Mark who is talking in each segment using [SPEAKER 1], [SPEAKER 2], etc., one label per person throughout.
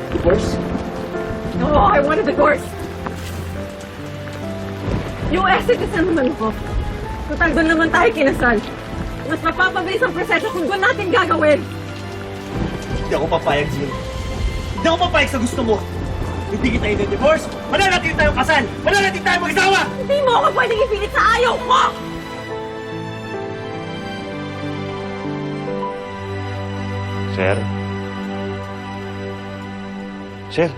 [SPEAKER 1] Divorce?
[SPEAKER 2] No, I want a divorce. Yung exit na naman ko. Total, doon naman tayo kinasal. Mas mapapabilis ang proseso kung doon natin gagawin.
[SPEAKER 1] Hindi ako papayag, Jill. Hindi ako papayag sa gusto mo. Hindi kita i-divorce. Mananatili tayong kasal. Mananatili tayong mag-asawa.
[SPEAKER 2] Hindi mo ako pwedeng ipilit sa ayaw ko!
[SPEAKER 3] Sir? Sir?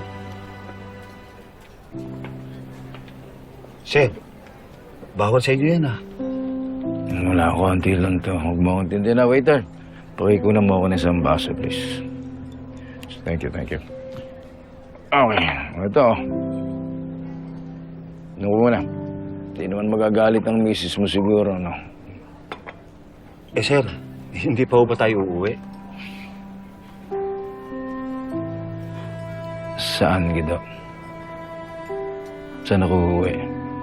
[SPEAKER 3] Sir? Bawal sa inyo yan, ah.
[SPEAKER 4] Wala, konti lang to. Huwag mo akong tindi na, waiter. Pakikunan mo ako ng isang baso, please. Thank you, thank you. Okay, ito. Naku muna. Hindi naman magagalit ang misis mo siguro, no?
[SPEAKER 3] Eh, sir, hindi pa ba tayo uuwi?
[SPEAKER 4] Saan, Gido? Saan ako uuwi?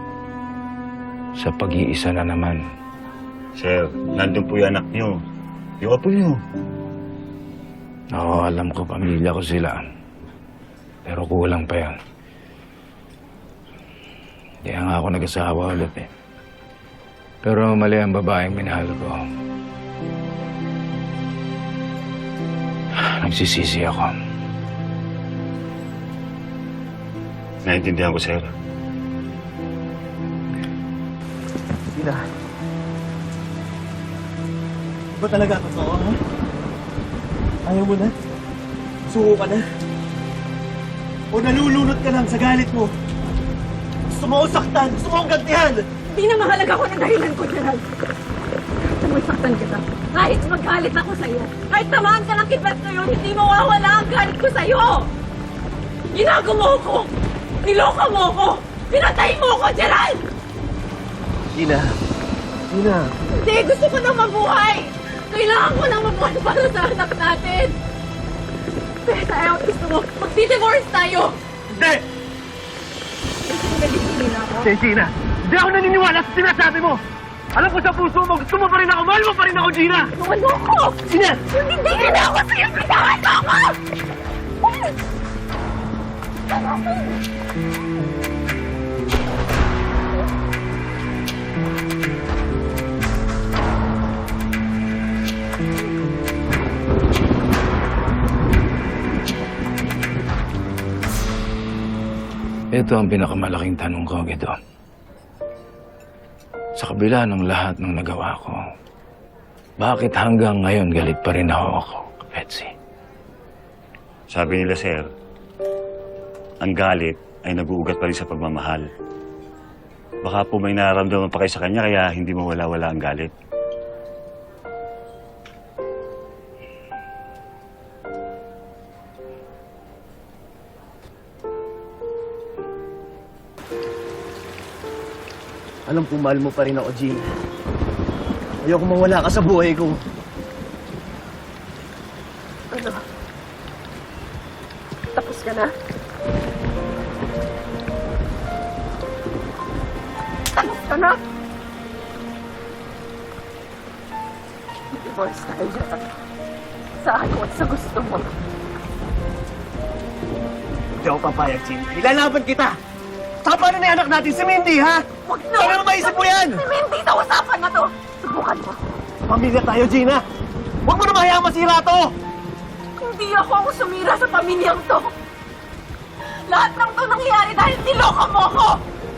[SPEAKER 4] Sa pag-iisa na naman.
[SPEAKER 3] Sir, nandun po yung anak niyo. Yung apo niyo.
[SPEAKER 4] Oo, alam ko, pamilya ko sila. Pero kulang pa yan. Kaya nga ako nag-asawa ulit eh. Pero mali ang babaeng minahal ko. Nagsisisi ako.
[SPEAKER 3] Naintindihan ko, sir.
[SPEAKER 1] Sila. Ba talaga totoo, ha? Ayaw mo na? Suko ka na? O nalulunod ka lang sa galit mo? Gusto mo akong saktan? Gusto mo akong gantihan?
[SPEAKER 2] Hindi na mahalaga ko ng dahilan ko, Gerald. Kahit na masaktan kita. Kahit magalit ako sa'yo. Kahit tamaan ka ng kidlat ngayon, hindi mawawala ang galit ko sa'yo! Ginago mo ko! Niloko mo ko! Pinatay mo ko, Gerald!
[SPEAKER 1] Gina. Gina.
[SPEAKER 2] Hindi! Gusto ko na mabuhay! Kailangan ko na mabuhay para sa anak natin! Pero tayo, gusto mo, magdi-divorce tayo!
[SPEAKER 1] Hindi!
[SPEAKER 2] Gusto mo nagigilin ako?
[SPEAKER 1] Gina, hindi ako naniniwala sa sinasabi mo! Alam ko sa puso mo, gusto mo pa rin ako, mahal mo pa rin ako, Gina!
[SPEAKER 2] Tuwan mo ko!
[SPEAKER 1] Gina!
[SPEAKER 2] Hindi na ako sa'yo! Bitawan mo ako!
[SPEAKER 4] Ito ang pinakamalaking tanong ko, Gido. Sa kabila ng lahat ng nagawa ko, bakit hanggang ngayon galit pa rin ako, Betsy?
[SPEAKER 3] Sabi nila, sir, ang galit ay nag-uugat pa rin sa pagmamahal. Baka po may nararamdaman pa kayo sa kanya kaya hindi mawala-wala ang galit.
[SPEAKER 1] Alam ko, mahal mo pa rin ako, Gina. Ayoko mawala ka sa buhay ko.
[SPEAKER 2] Ano? Tapos ka na? Tapos ka na? Divorce tayo dyan. Sa ayaw at sa gusto mo.
[SPEAKER 1] Hindi ako papayag, Gina. Ilalaban kita! Saka paano na yung anak natin, si Mindy, ha?
[SPEAKER 2] Huwag na!
[SPEAKER 1] Paano maisip mo yan?
[SPEAKER 2] Hindi sa usapan na to! Subukan mo.
[SPEAKER 1] Pamilya tayo, Gina! Huwag mo na mahayang masira to!
[SPEAKER 2] Hindi ako ang sumira sa pamilyang to. Lahat ng to nangyayari dahil niloko mo ako!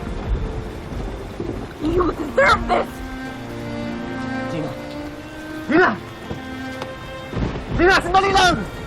[SPEAKER 2] You deserve this!
[SPEAKER 1] Gina! Gina! Gina, sandali lang!